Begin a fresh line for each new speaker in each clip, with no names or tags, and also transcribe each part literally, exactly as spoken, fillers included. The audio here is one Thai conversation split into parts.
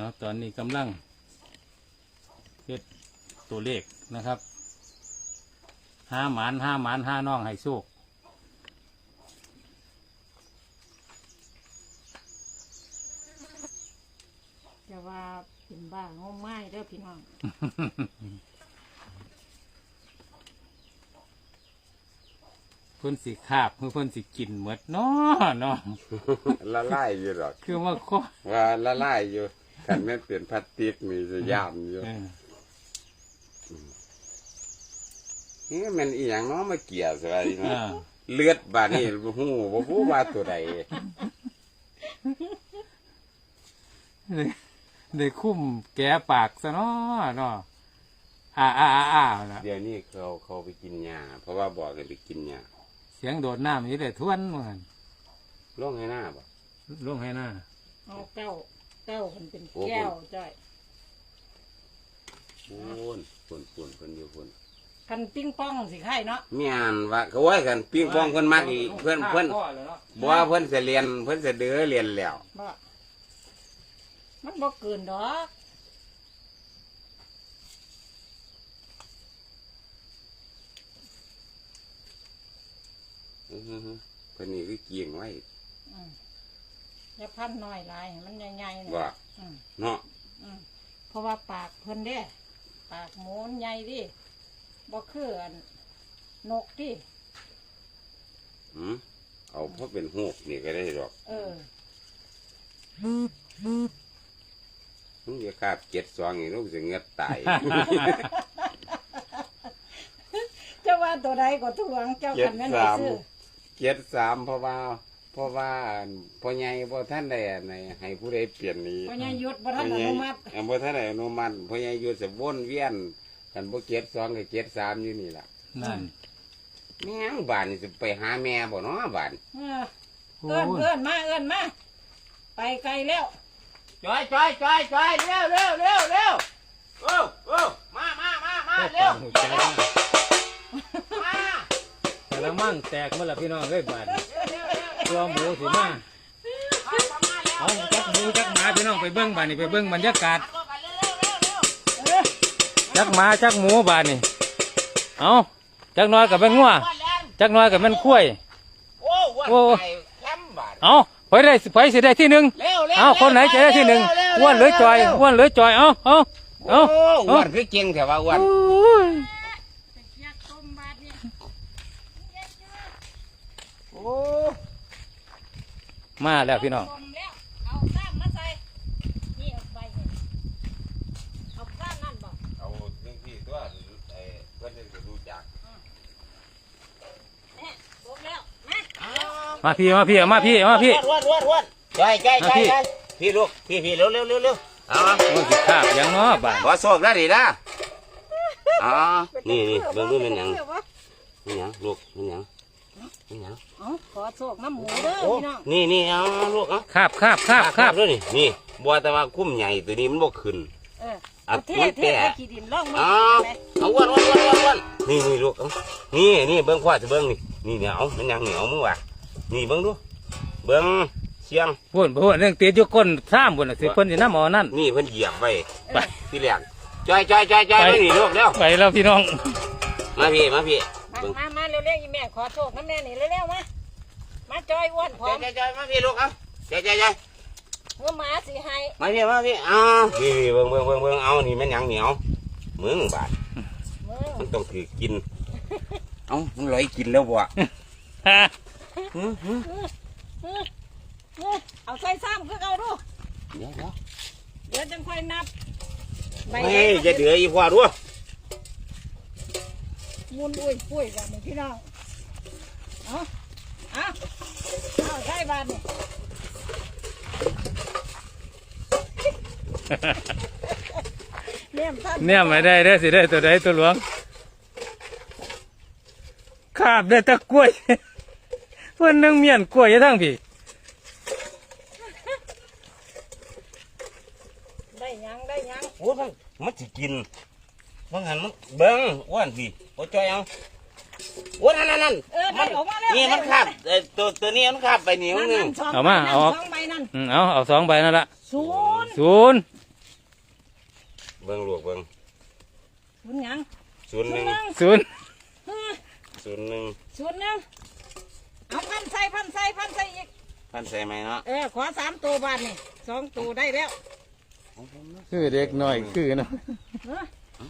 นาะตอนนี้กำลังเฮ็ดตัวเลขนะครับห้าหมานห้าหมานห้าน้องให้โชค
จะว่าเป็นบ้างมไม้เด้อพี่น้อง
เพิ่นสิคาบเพื่อเพิ่นสิกินหมดเนาะเนาะ
ละลายอยู่หรอก
คือว่าข้อ
ว่าละลายอยู่คันแม่นเปลี่ยนพลาสติกมีจะยามอยู่
เออ
นี่มันอีหยังเนาะมาเกี่ยวสวัสดีเนาะ
อ่า
เลือดบาดนี่บ่ฮู้บ่ฮู้ว่าตัวใด
ได้ได้คุ้มแกะปากซะเนาะเนาะอ่าอ่าอ่าอ่านะ
เดี๋ยวนี้เขาเขาไปกินยาเพราะว่าบอกให้ไปกินยา
เสียงโดดน้ำอยู่ได้ทวนเหมือน
ร้องให้หน้าบ่
ลงให้หน้า
เอาเก้าเก้ามันเป็นแก้วจ้อย
ปูนปูนปูนเพิ่นอยู่ปูน
คันปิ้งป้องสิไข่เนาะ
มีอันว่าเขาว่ากันปิ้งปองเพิ่นมักอีกเพิ่นเพิ่นบ่ว่าเพิ่นสิเรียนเพิ่นสิเด้อเรียนแล้ว
บ่มันบ่เกินดอก
อื้อหือเพิ่นนี่คือเกียงไว้
อืมอย่าพันน้อยหลายให้มันใหญ่ๆน่ะ
ว่า
อืม
เนาะ
อืมเพราะว่าปากเพิ่นเด้ปากหมูนใหญ่ดิบ่คืออันนกดิ
หืมเอาเพราะเป็นฮูกนี่ก็ได้ดอก
เออ
มึงอย่าคาบเจ็ดสองนี่ลูกสิเงือดตาย
เจ้าว่าตัวใดก็ทวงเจ้า
เจ็
คั
ด
นแม่น
สา
ได้
ม
ซื้อ
เจ็ดสามเพราะว่าเพราะว่าพ่อใหญ่พ่อท่านใดอันไหนให้ผู้ใดเปลี่ยนนี้
เพราะยังหยุดบ่ทันอนุมัติ
เออพ่อท่านใดอนุมัติพ่อใหญ่อยู่สวนเวียนกันบ่เจ็ดสองกับเจ็ดสามอยู่นี่ล่ะ
นั่น
แม่งบ้านนี่สิไปหาแม่บ่เนาะบ้าน
เออเอื้อนเอื้อนมาเอื้อนมาไปไกลแล้ว
จอยจอยจอยจอยเร็วเร็วเร็วเร็วโอ้โอ้มามามามาเร็ว
หูใจนะ
มา
แต่ละมั่งแตกเมื่อละพี่น้องเลยบาดตัวหมูสิมาเอาจักหมูจักหมาพี่น้องไปเบิ้งบาดนี่ไปเบิ้งบรรยากาศ
เออ
จักหมาจักหมูบาดนี่เอาจักน้อยกับเป็นงัวจักน้อยกับเป็นคุ้ย
โอ้วัน
โอ้
ไปแคมป์บ้าน
เอาไปได้ไปสิได้ที่หนึ่ง
เร็วเร็ว
เอาคนไหนจะได้ที่หนึ่งอ้วนหรือจอยอ้วนหรือจอยเอาเอา
โอ้
เอา
อ้วนคือเก่งแต่ว่าอ้วน
โอ้ย
อยากต้มบาดเนี่ย
โอ้
มาแล้วพี่น้อง
ต้มแล้วเอาซ้ำมาใส่นี่เอาไปเนี่ยเอาซ้ำนั่นบ่
เอาเรื่องที่ตัวไอ้เพื่อนจะรู้จัก
เนี่ยต้มแล้วมา
มาพี่มาพี่มาพี่มาพี่
อ้วนอ้วนอ้วนจอยจอยจอยจอยพี่ลูกพี่พี่เร็วเร็วเร็วเร็วเอา
โอ้ยสิขาบยังเนาะบาด
ขอโชคได้ดีนะอ๋อนี่นี่เบิ่งดูเป็นหยังเป็นหยังลูกเป็นหยังเป็นหยัง
เอาขอโชคน้ำหมูเด้อ
โอ้
พี่น้อง
นี่นี่เอาลูกเอา
คาบคาบคาบคาบ
ด้วยนี่นี่บัวแต่ว่าคุ้มใหญ่ตัวนี้มันบ่ขึ้น
เออ
อ่ะ
เอาเท
มัน
เท
แปะ
เอาขี้ดินล่องมื
อ๋อ
ไหม
เอาอ้วนอ้วนอ้วนอ้วนอ้วนนี่นี่ลูกเอานี่นี่เบิ่งพ่อจะเบิ่งนี่นี่เนี่ยเอามันหยังเหนียวมึงว่ะนี่เบิ่งดูเบิ่งเสียง
พุ่นพุ่นเรื่องตีอยู่ก้นซ้ำพุ่นน่ะสิเพิ่นสิน้ำเอานั่น
นี่เพิ่นเหยียบไว้
ไป
ที่แรกจอยจอยจอยจอย
ไป
มานี่ลูกเร็ว
ไปแล้วพี่น้อง
มาพี่มาพี่
มา
เบิ่ง
มามาเร็วๆอีแม่ขอโชคน้ำแม่นี่เร็วๆมามาจอยอ้วนพร้อม
จอยจอยมาพี่ลูกเอาจอยจอยจอย
เมื่อหมาสิให้
มาพี่มาพี่เอาพี่พี่เบิ่งเบิ่งเบิ่งเบิ่งเอานี่แม่นหยังเหนียวมึงบาด
มึง
มันต้องถือกิน เอามันลอยกินแล้วบ่ หือหือ
เออเออเอาใส่ซ้ำคือเอาดู
เดี๋ยวเดี๋ยว
เดี๋ยวจังค่อยนับใบ
เฮ้ยจะเดืออีกว่าด้วย
มุนอุ้ยปุ้ยกันนี่พี่น้องเอาเอาเอาใส่บาทนี่เนี่ยท่าน
เนี่ยไม่ได้ได้อสิได้ตัวใดตัวหลวงคาบได้แตะกล้วย เพื่อนนึงเมียนกล้วยอยู่ทั้งพี่
ได้หยังได้หยัง
โอ้มันมันสิกินมันหันมันเบิ้งอ้วนสิโอ้จอยเอาโอ้นั่นนั่นนั่น
เออได้ออกมาแล้ว
นี่มันคาบเอ่อตัวตัวนี้มันคาบไปเหนียว
นั่น
หนึ
นั่
ง
นสอง
เอามา
ใบนั่น
เอาออก
สองใบนั่น
อืมเอาเอาสองใบนั่นละ
ศูนย์
ศูนย์
เบิ่งลูกเบิ่ง
ศูนย์หยัง
ศูนย์หนึ่ง
ศูนย์
เออ
ศูนย์หนึ่ง
ศูนย์หนึ่งเอาพันใส่พันใส่พันใส่อีก
พันใส่ไหมเนาะ
เออขอสามตัวบาทนี่สองตัวได้แล้ว
คือเด็กน้อยคือเนาะ
เออ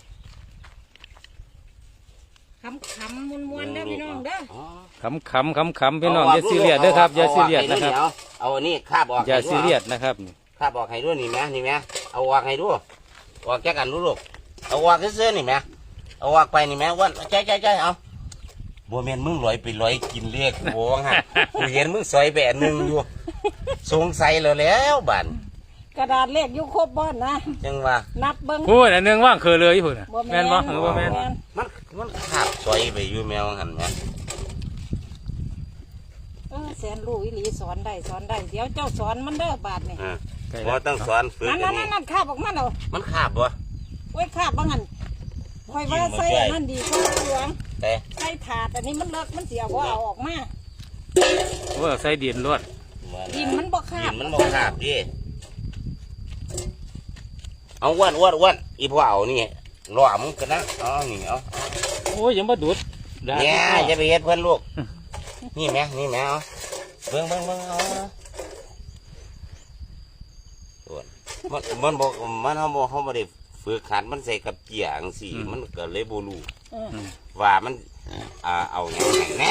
คำคำมวนมวนๆเด้อพี่น้องเด้อ
อ๋อ
ขำขำขำขำพี่น้องอย่าซีเรียสเด้อครับอย่าซีเรียสนะครับ
เอาอันนี้คาบออก
อย่า
ให้
ซี
ด้วย
เรียสนะครับ
คาบออกให้ด้วยนี่แม่นี่แม่เอาออกให้ด้วยออกแค่กันดูลูกเอาออกเสื้อๆนี่แม่เอาออกไปนี่แม่อ้วันใจใจใจเอาบัวแมนมึงลอยไปลอยกินเรียกโว้งฮะกูเห็นมึงซอยแบะหนึ่งอยู่สงสัยแล้วแล้วบัน
กระดาษเลขอยู่ครบบ้านนะ
จังว่า
นับเบิ้ง
พูดอันหนึงว่างเคยเลยพุ่นน่ะ
บ่
แม่นบ่หรือว่าแม่น
มันมันขาบซอยไปอยู่แมวหันแม่
เออแสนรู้อีหลีสอนได้สอนได้เดี๋ยวเจ้าสอนมันเด้อบาทนี่
อ่าเพราะต้องสอนฝึก
นั่น
อั
นั่
น
น
นี้
นั่นคาบออกมาแล้ว
มันขาบบ่
โอ้ยคาบบ้างหันคอยว่าใส่อันนั่นดีกว่าหลวง
แต่
ใส่ถาดอันนี้มันเลิกมันเสียว่าเอาออกมา
โอ้ใส่ดินรวด
ดินมันบ่คา
ดิ
บ
นมันบ่ขาบดิเอาอ้วนอ้วนอ้วนอีพ่อเอานี่รอมึงกันนะอ๋อนี่เอา
โอ้ยยังมาดูดดา
เนี่ยจะไปเฮ็ดเพื่อนลูก นี่แม่นี่แม่เอาเบิ่งเบิ่งเบิ่งเอาส่วนมันมันบอกมันเขาบอกเขาไม่ได้ฝึกขัดมันใส่กับเกียร์จังสี่มันก็เลยบ่รู้
เออ
ว่ามันอ่าเอาอย่างไรแน่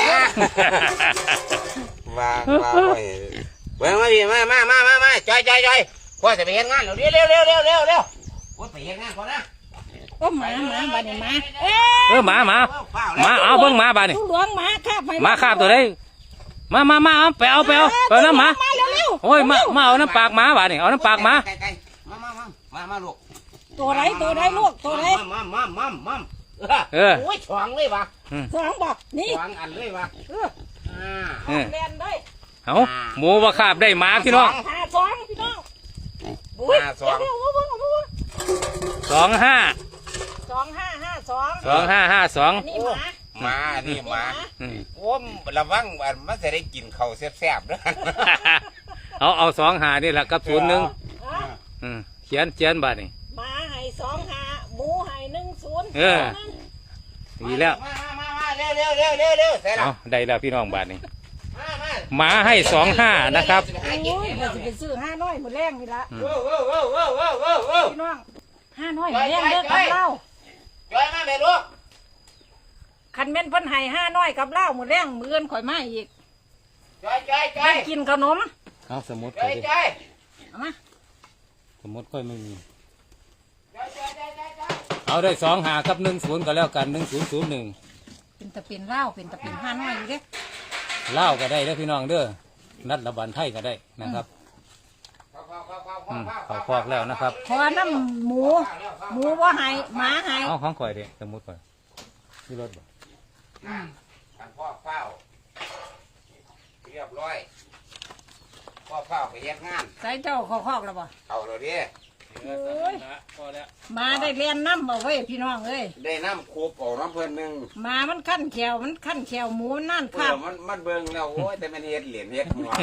ว่าว่าไว้เบิ่งมาพี่มามามามามาจอยจอยจอยพ่อจะไปเฮ็ดงานเร็วเร็วเร็วเร็วเร็วเร็วพ่อไปเฮ็ดงานก่อนนะ
โอ้หมาหมาบาดนี่หมาเอ้
เออหมาหมาหมาเอาเบิ่งหมาบาดนี่
ลูกหลวงหมาคาบไป
หมาคาบตัวใดมามามาเอาไปเอาไปเอาไปเอาน้ำหมา
มาเร็วเร็ว
โอ้ยมามาเอาน้ำปากหมาบาดนี่เอาน้ำปากหมา
ไก่ไก่มามามามามาลูก
ตัวไหนตัวไหนลูกตัวไหน
มามามามา
เออ
โอ้ยฉวงเลยวะ
สองบอกนี่
ฉวงอันเลยวะ
เออ
อ่า
เออ
เรียนได้
เอาหมูว่าคาบได้หมาพี่น้อง
หาสองพี่น้องอุ้ย
ห้าสอง
เดี๋ยวเดี๋ยวเอาเบิ่งเอาเบิ่ง
สองห้า
สองห้าห้าสอง
สองห้าห้าสอง
อันนี้หมา
มานี่มา
อืม
โอ้มระวังอันมันจะได้กินข้าวแซ่บๆด้วย
เอาเอาสองหานี่แหละกับศูนย์หนึ่ง
อ่ะ
อืมเขียนเขียนบาดนี่
หมาให้สองห้าหมูให้หนึ่งศูนย์
เออ ดีแล้ว
มามามาเร็วเร็วเร็วเร็วเร็วเสร็จแล้
เอา
ว
ได้แล้วพี่น้องบาดนี่
มามา
หมาให้สองห้านะครับ
โอ้ยเราจะไปซื้อห้าน้อยหมดแรงนี่ละ
โอ้โหโอ้โหโอ้โหโอ้โห
พี่น้องห้าน้อยหมดแรงเด้อกับเหล้า
จอยมาเบ็ดลูก
คันแม่นเพิ่นให้ห้าน้อยกับเหล้าหมดแรงมื้ออื่นข่อยมาอีก
จอยจอยจอ
ได้
ย
กินขนม
เอาสมุด
จ
ค่
อ
อย
ย
ดิ
จอย
เอามา
สมุดค่อยไม่มี
จอยจอยจอยจอยจอย
เอาได้สองหากับหนึ่งศูนย์ก็แล้วกันหนึ่งศูนย์ศูนย์หนึ่ง
เป็นตะเป็นเหล้าเป็นตะเป็นห้าน้อยอยู่เด้
เล่าวก็ได้เด้อพี่น้องเด้อนัดระบันไทยก็ได้นะครับ
เข้าเข้าเข้าเข้า
อืม
เข้า
เขาคอกแล้วนะครับ
ขอน้ำหมูหมูว่าให้หมาให้
เอาของข่อยเด้สมุดข่อยที่รถบ่
อ่าทางพ่อเฝ้าเรียบร้อยพ่อเฝ้าไปเฮ็ดงาน
ใส่เจ้าขอคอกแล้วบ่
เอาเลยดิ
โอ้ย
พอแล้ว
หมาได้เรียนน้ำบ่เว้ยพี่น้องเอ้ย
ได้น้ำคูปเอาน้ำเพิ่นหนึ่ง
หมามันขั้นแขวมันขั้นแขวหมูนั่น
เอ
ครั
อบ มันมันเบิ่งแล้วโอ้ยแต่มันเฮ็ดเหรียญเฮ็ดหัว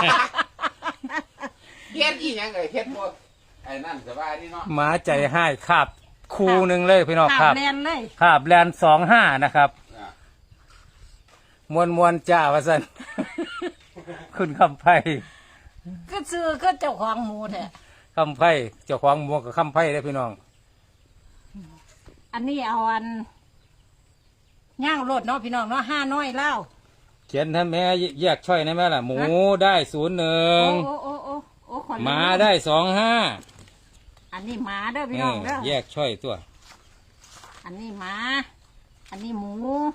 เฮ็ดอีหยังเอ้ยเฮ็ดบ่ไอ้นั่นสบายดีเนาะ
หมาใจให้คาบคูหนึ่งเลยพี่น้อง
ขั
คา
บบ เรียนเลย
คาบแลนสองห้านะครับ
อ่ะ
มวนมวนจ้าวะสัน คุณคำไพ่
ก็ซื้อก็เจ้าของหมูแท้
คำไพ่เจ้าของหมวกกับคำไพ่ได้อพี่น้อง
อันนี้เอาอันย่างรถเนาะพี่น้องเนาะห้าน้อยเล่า
เขียนท่านแม่แยกช่อยได้ไหมล่ะ หมูได้ศูนย์หนึ่ง
โอ้โอ้โอ้โอ้ขอ
หมาได้สองห้า
อันนี้หมาเด้อพี่น้องเด้อ
แยกช่อยตัว
อันนี้หมา อันนี้หมู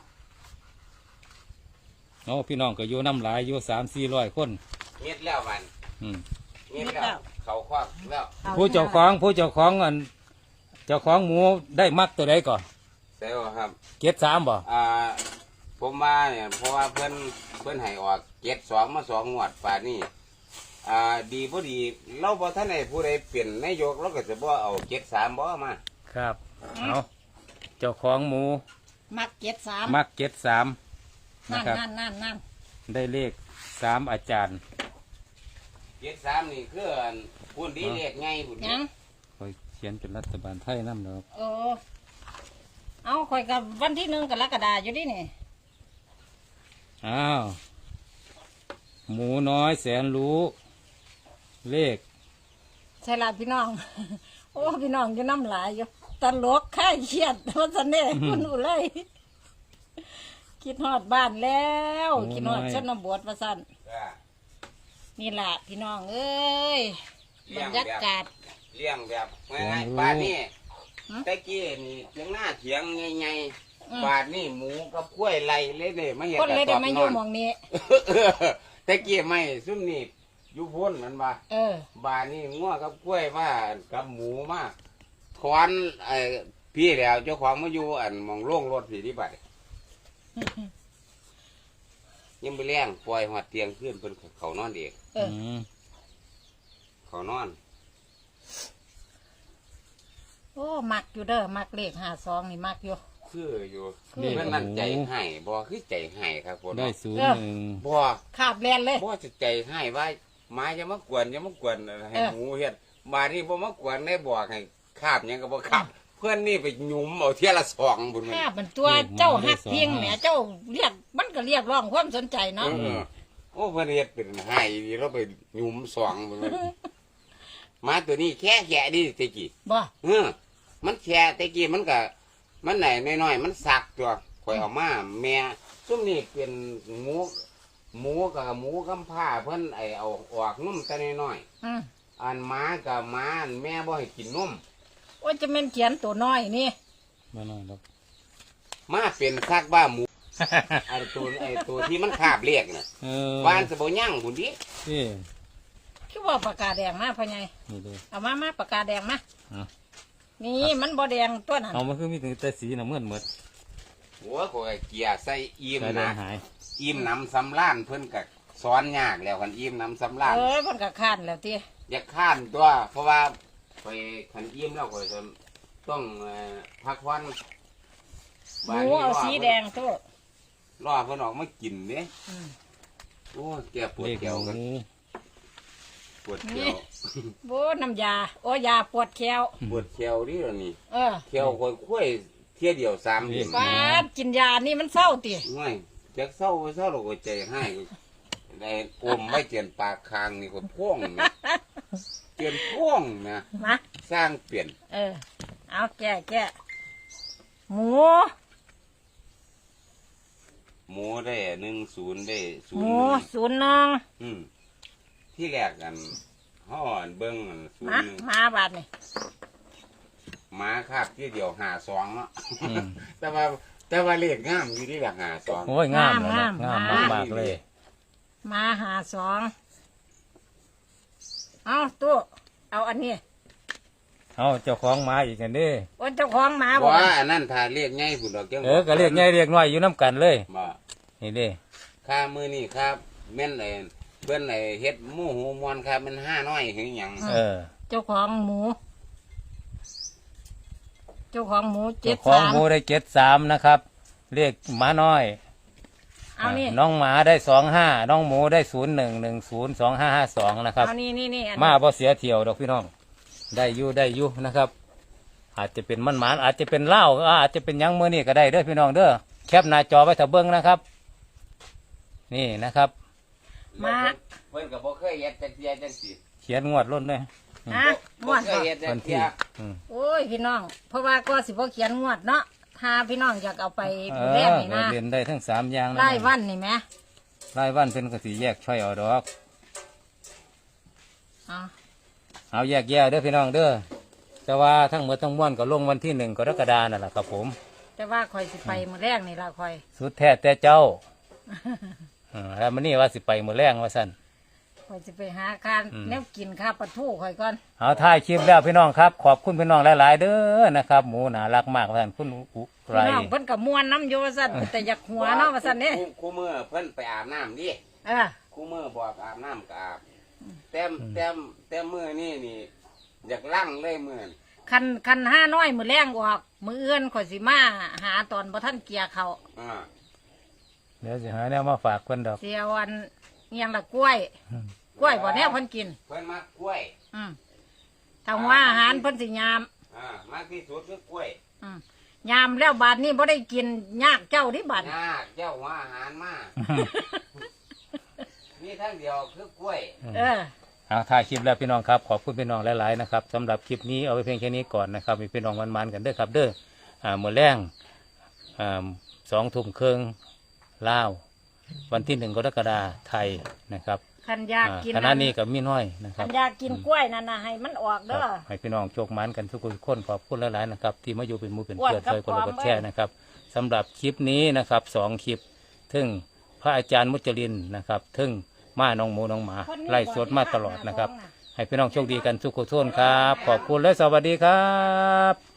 โอ้พี่น้องก็อยู่น้ำหลายอยู่สามสี่ร้อยคน
เม็ดแล้วมัน
อืม
เม็ดแล้วเขาควักแล้ว
อ
ผู้เจ้าของผู้เจ้าของอันเจ้าของหมูได้มักตัวใดก่อน
ใช่บ่ครับ
เก็ดสามบ่
อ่าผมมาเนี่ยเพราะว่าเพิ่นเพิ่นให้ออกเจ็ดสองมาสองงวดป่านนี้อ่าดีบ่ดีเราบ่ทันได้ผู้ใดเปลี่ยนนายกเราก็จะบ่เอาเจ็ดสามบ่มา
ครับเอาเจ้าของหมู
มักเจ็ดสาม
มักเก็ดสามนะ
นั่น
ครับ
นั่นนั่นนั่น
ได้เลขสามอาจารย์
เจ็ดสามนี่คืออันพุ่นดีเลขไงพุ่น
ยัง
คอยเขียนเป็นรัฐบาลไทยนำดอก
เออเอาข่อยกับวันที่หนึ่งกรกฎาอยู่ดินี่
อ้าวหมูน้อยแสนรู้เลข
ใช่ละพี่น้อง โอ้พี่น้องจะน้ำลายอยู่ตลกค่ายเครียดว่าสันเน่คุณอุไรคิดฮอดบ้านแล้วคิดฮอดชนบทว่าสันนี่แหละพี่น้องเอ้ยบรรยากาศ
เลี้ยงแบบง่ายๆบ้านนี้ตะกี้นี่เถียงหน้าเถียงไงๆบ้านนี่หมูกับกล้วยไรเลยเด้มาเห็น
คนเลยได้มาอยู่หมองนี้
ตะกี้ไม่ซุ่มนี่อยู่พ้นมันบ่
เออ
บ้านนี่งัวกับกล้วยมากับหมูมาถอนไอ้พี่แล้วเจ้าของมาอยู่อันหมองโล่งรถสีที่บัดยังไปเลี้ยงปล่อยหัดเตียงขึ้นเพิ่นเขานอนเอง
เออ
ม
เขานอน
โอ้มักอยู่เด้อมักเลขห้าสองนี่มักอยู่
คืออยู่
นี่
มันนั่นใจให้บ่คือใจให้ครับคน
ได้ศูนย์หนึ่ง
บ่
ขาบแลนเลย
บ่จะใจให้ว่าหมาจะมากวนจะมากวนให้
เออ
หมูเฮ็ดมานี่บ่มากวนได้บอกให้คาบหยังก็บ่คาบเพื่อนนี่ไปหยุมเอาเที่ยละสองบุญมัน
ภาพมันตัวเจ้าหักเพียงแหมเจ้าเรียกมันก็เรียกร้องความสนใจเนาะ
เออโอ้เพื่อนเฮ็ดเป็นให้ดีเราไปหยุมสองบุญมันหมาตัวนี้แค่แค่ดิตะกี้
บ่
เออมันแค่ตะกี้มันก็มันไหนน้อยๆมันสักตัวข่อยเอามาแม่ซุ่มนี่เป็นหมูหมูกับหมูกำผ้าเพิ่นไอเอาออกนุ่มแต่น้อย
อืม
ๆอันหมากับหมาอันแม่บ่ให้กินนม
โอ้ยจะเป็นเขียนตัวน้อยนี่
มาหน่อยดอก
มาเป็นซักบ้าหมู ไอ้ตัวไอ้ตัวที่มันคาบเรียกน่ะ
เออ
บ้านสะบ่ย่างพุ่นดิ
นี่
คือว่าปากกาแดงมาพ่อใหญ่
นี่เลย
เอามามาปากกาแดงมา
เอา
นี่มันบ่แดงตัวนั้น
เอามาคือมีแต่สีน้ำเงินหมด
หัวข่อยเกียร์ใส่อิ่ม
ใส่แด
นะ
งหาย
อิ่มน้ำสำล้านเพิ่นก็สอนยากแล้วคันอิ่มน้ำสำล้าน
เอ้ยมันก็ข้านแล้วติ
อย่าข้านตัว เพราะว่าข่อยคันอิ่มแล้วข่อยจะต้องเอ่อพักผ่อน
หมูเอาสีแดงตัว
รอเพิ่นออกมากินเด้
อืม
โอ้แก่ปวด
เลข
แขว
ห
กัน
มู
ปวดแข
นี่
ว
โบน้ำยาโอ้ยาปวดแขว
ปวดแขวดิล่ะนี่
เออ
แขวข่อยคุ้ยเที่ยเดียวสามเดือน
ฟาดกินยานี่มันเศร้าติ
ง่ายจากเศร้าไปเศร้าเราก็ใจให้ได้อมไม่เจียนปากคางนี่ก็พ่วงนะเจียนพ่วงนะ
มา
สร้างเปลี่ยน
เออ เอาแก่แก่หมู
หมูได้หนึ่งศูนย์ได้ศู
ห
นย์
มู
หนึ่ง
ศูนย์หนึ่ง
อืมที่แรกกันห่ออันเบิ้งอันศูน
มา
ย์หนึ่ง
มาบาดนี่
หมาคาบที่เดียวหาสองเนาะ
อืม
แต่ว่าแต่ว่าเลขงามอยู่ที่หลักหาสอง
โอ้ยงามเลยนะงามมากๆเลย
มาหาสองเอาตู้เอาอันนี้
เอาเจ้าของหมาอีกกันเด้
โอ้ยเจ้าของหมาบอก
ว่าอันนั้นถ้าเลขง่ายผุนดอกจัง
เออก็เรียกใหญ่เรียกน้อยอยู่น้ำกันเลย
บ่
นี่เด้
ค่ามือนี่ครับแม่นไอ้เบิ้นไอ้เฮ็ดหมูหูมวนครับมันห้าน้อยหรือหยัง
เออ
เจ้าของหมู เจ้าของหมูเจ็
เจ้าของ
ดสาม
หมูได้เจ็ดสามนะครับเรียกหมาน้อย
เอานี่
น้องหมาได้สองห้าน้องหมูได้ศูนย์หนึ่งหนึ่งศูนย์สองห้าห้าสองนะครับ
เอานี่นี่นี่อันนี้
มาบ่เสียเที่ยวดอกพี่น้อง ได้อยู่ได้อยู่นะครับ อาจจะเป็นมันหมานอาจจะเป็นเหล้าอาจจะเป็นหยังมือนี่ก็ได้เด้อพี่น้องเด้อแคปหน้าจอไว้ถ้าเบิ้งนะครับ นี่นะครับ
มา
เพิ่นก็บ่เคยเฮ็ดจักเที่ยจังซี่
เขียนงวดล้นเลย
ฮะง
บ่
วด
เค
บ่
ยเฮ็ดจั
วั
ก
น
เที่
ที่
ย
อืม
โอ้ยพี่น้อง เพราะว่าก็สิบ่เขียนงวดเนาะถ้าพี่น้องอยากเอาไป
เอ
ดูแล
อ
นี่นะ
เรียนได้ทั้งสามอย่างนะ
ไล่วันนี่ไหม
ไล่วันเป็นกสีแยกช่อยเอาดอก
เอา
เอาแยกแยกเด้อพี่น้องเด้อแต่ว่าทั้งหมดทั้งมวลก็ลงวันที่หนึ่งกรกฎานั่นแหละครับผม
แต่ว่าคอยสิไปมื้อแรกนี่ล่ะคอย
สุดแท้แต่เจ้าอืมแล้วมันนี่ว่าสิไปมือแรงว่าสั่น
คอยสิไปหาการ
อืม
แนวกินข้าวปลาทูคอยก่อน
เอาถ่ายคลิปแล้วพี่น้องครับ ขอบคุณพี่น้องหลาย ๆ เด้อนะครับ หมูน่ารักมากว่าสั่นคุณอุไร
พี่น้องเพิ่นก็ม่วนน้ำอยู่ว่าซั่นแต่อยากหัวเนาะว่าซั่นนี่
คู่คู่มือเพิ่นไปอาบน้ำดิ
เออ
คู่มือบอกอาบน้ำก็อาบแต้มแต้มแต้มมือนี่นี่อยากลั่งเลยมือนี่
คันคันห้าน้อยมื้อแรงออกมื้ออื่นข่อยสิมาหาตอนบ่ทันเกียร์เขา
อ่า
เดี๋ยวสิหาแนวมาฝากเพิ่นดอก
เสียวันอิหยังละกล้วย
อืม
กล้วยบ่แนวเพิ่นกิน
เพิ่นมักกล้วย
อืมถ้าว่าอาหารเพิ่นสิยาม
อ่ามากที่สุดคือกล้วย
อืมยามแล้วบาดนี้บ่ได้กินยากเจ้าที่บาด
ยากเจ้าหัวอาหารมากมีทั้งเดียวคือกล้วย
เออ
เอาถ่ายคลิปแล้วพี่น้องครับขอบคุณพี่น้องหลายๆนะครับสำหรับคลิปนี้เอาไปเพียงแค่นี้ก่อนนะครับมีพี่น้องมันๆกันเด้อครับเด้ออ่ามื้อแรงอ่าสองทุ่มครึ่งลาววันที่หนึ่งกรกฎาคมไทยนะครับ
คันอยาก
อ่า
กิน
คณะนี้กับมีน้อยนะค
คั
รับ
นอยากกินกล้วยนั่นน่ะให้มันออก
ค
เด้
รับ
อ
ให้พี่น้องโชคหมันกันทุกคนขอบคุณหลายๆนะครับที่มาอยู่เป็นหมูเป็น
อ้วน
เพื่อน
ครับ
เคยคนละ
พร้
ก
อม
ดแชร์
เว้ย
นะครับสำหรับคลิปนี้นะครับสองคลิปทึ่งพระอาจารย์มุจลินนะครับทึ่งมาน้องหมูน้องหมาไล่สดมาตลอดนะครับ ให้พี่น้องโชคดีกันทุกคนครับ ขอบคุณและสวัสดีครับ